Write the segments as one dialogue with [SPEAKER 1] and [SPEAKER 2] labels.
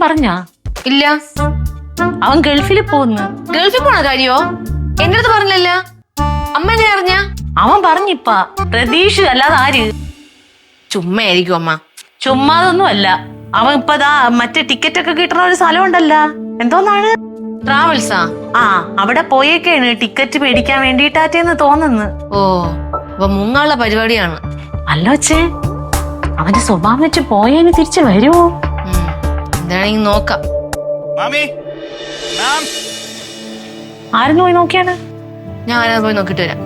[SPEAKER 1] പറഞ്ഞാ?
[SPEAKER 2] ഇല്ല.
[SPEAKER 1] അവൻ ഗൾഫിൽ പോകുന്നു.
[SPEAKER 2] ഗൾഫിൽ പോണ കാര്യോ? എന്റെ അടുത്ത് പറഞ്ഞില്ല. അമ്മ എങ്ങനെ അറിഞ്ഞ?
[SPEAKER 1] അവൻ പറഞ്ഞിപ്പ. പ്രതീക്ഷ അല്ലാതെ ആര്?
[SPEAKER 2] ചുമ്മാ ആയിരിക്കും അമ്മ.
[SPEAKER 1] ചുമ്മാതൊന്നും അല്ല. അവൻ ഇപ്പതാ മറ്റേ ടിക്കറ്റ് ഒക്കെ കിട്ടുന്ന ഒരു സ്ഥലം ഉണ്ടല്ലോ, എന്തോന്നാണ്?
[SPEAKER 2] ട്രാവൽസാ?
[SPEAKER 1] ആ, അവിടെ പോയേക്കാണ് ടിക്കറ്റ് മേടിക്കാൻ വേണ്ടിട്ടാറ്റേന്ന് തോന്നുന്നു.
[SPEAKER 2] ഓ, അപ്പൊ മുങ്ങാനുള്ള പരിപാടിയാണ്.
[SPEAKER 1] അല്ല വച്ചേ, അവന്റെ സ്വഭാവം വെച്ച് പോയേന് തിരിച്ചു വരുമോ?
[SPEAKER 2] എന്താണെങ്കിൽ നോക്കാം.
[SPEAKER 1] ആരും പോയി നോക്കിയാണ്?
[SPEAKER 2] ഞാൻ ആരാ പോയി നോക്കിട്ട് വരാം.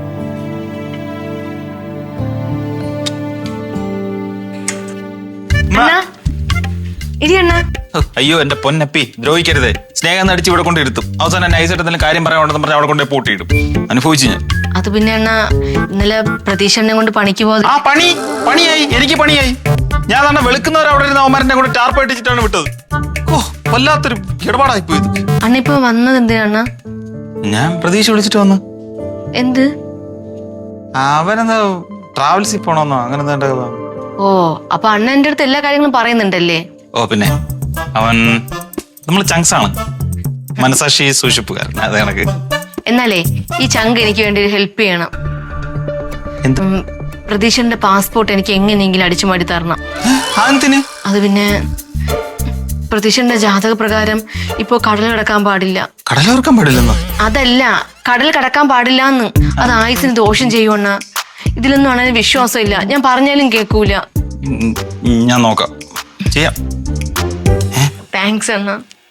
[SPEAKER 3] അയ്യോ എന്റെ പൊന്നപ്പി, ദ്രോഹിക്കരുത്. സ്നേഹം നടിച്ച് ഇവിടെ കൊണ്ടിരുത്തും. അവസാനം നൈസായിട്ട് എന്തെങ്കിലും കാര്യം പറയാനുണ്ടെന്ന് പറഞ്ഞാൽ അവിടെ കൊണ്ടേ പൂട്ടിയിടും. അനുഭവിച്ചു ഞാൻ.
[SPEAKER 2] അത് പിന്നെ അണ്ണ, ഇന്നലെ പ്രതീക്ഷനെ കൊണ്ട് പണിക്ക് പോകുന്നത്.
[SPEAKER 3] ആ പണിയായി, എനിക്ക് പണിയായി. ഞാൻ തന്നെ വെളുക്കുന്നവർ അവിടെ ഇരുന്ന അവന്മാരെ കൊണ്ട് ടാർപ്പ് ഇട്ടിട്ടാണ് വിട്ടത്. ഓ, വല്ലാത്തൊരു ഇടപാടായി പോയത്.
[SPEAKER 2] അണ്ണ ഇപ്പൊ വന്നത് എന്തിനാ?
[SPEAKER 3] ഞാൻ പ്രതീക്ഷ വിളിച്ചിട്ട് വന്നു.
[SPEAKER 2] എന്ത്?
[SPEAKER 3] അവനെന്താ ട്രാവൽസിൽ പോണോന്നോ അങ്ങനെ എന്താ?
[SPEAKER 2] ഓ, അപ്പൊ അണ്ണ എന്റെ അടുത്ത് എല്ലാ കാര്യങ്ങളും പറയുന്നുണ്ടല്ലേ?
[SPEAKER 3] ഓ പിന്നെ, അവൻ നമ്മൾ ചങ്സ് ആണ്, മനസാക്ഷി സൂക്ഷിപ്പുകാരൻ. അത് കണക്ക്.
[SPEAKER 2] എന്നാലേ ഈ ചങ്ക് എനിക്ക് വേണ്ടി ഹെൽപ്പ് ചെയ്യണം. പ്രതീക്ഷന്റെ പാസ്പോർട്ട് എനിക്ക് എങ്ങനെയെങ്കിലും അടിച്ചു മാറ്റി തരണം. അത് പിന്നെ പ്രതീക്ഷന്റെ ജാതക പ്രകാരം ഇപ്പൊ കടൽ കടക്കാൻ പാടില്ല.
[SPEAKER 3] കടലോർക്കാൻ പാടില്ലെന്നോ?
[SPEAKER 2] അതല്ല, കടൽ കടക്കാൻ പാടില്ലാന്ന്. അത് ആയുസിന് ദോഷം ചെയ്യുവണ്ണ. ഇതിലൊന്നും അണ്ണന് വിശ്വാസമില്ല. ഞാൻ പറഞ്ഞാലും കേൾക്കൂല.
[SPEAKER 3] ഞാൻ നോക്കാം, ചെയ്യാം.
[SPEAKER 2] താങ്ക്സ് അണ്ണ.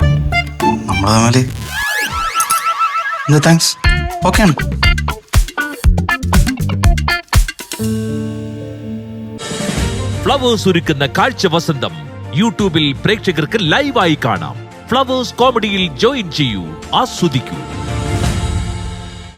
[SPEAKER 3] താങ്ക്സ്. ഓക്കെ ആണ്.
[SPEAKER 4] ഫ്ലവേഴ്സ് ഒരുക്കുന്ന കാഴ്ച വസന്തം യൂട്യൂബിൽ പ്രേക്ഷകർക്ക് ലൈവായി കാണാം. ഫ്ലവേഴ്സ് കോമഡിയിൽ ജോയിൻ ചെയ്യൂ, ആസ്വദിക്കൂ.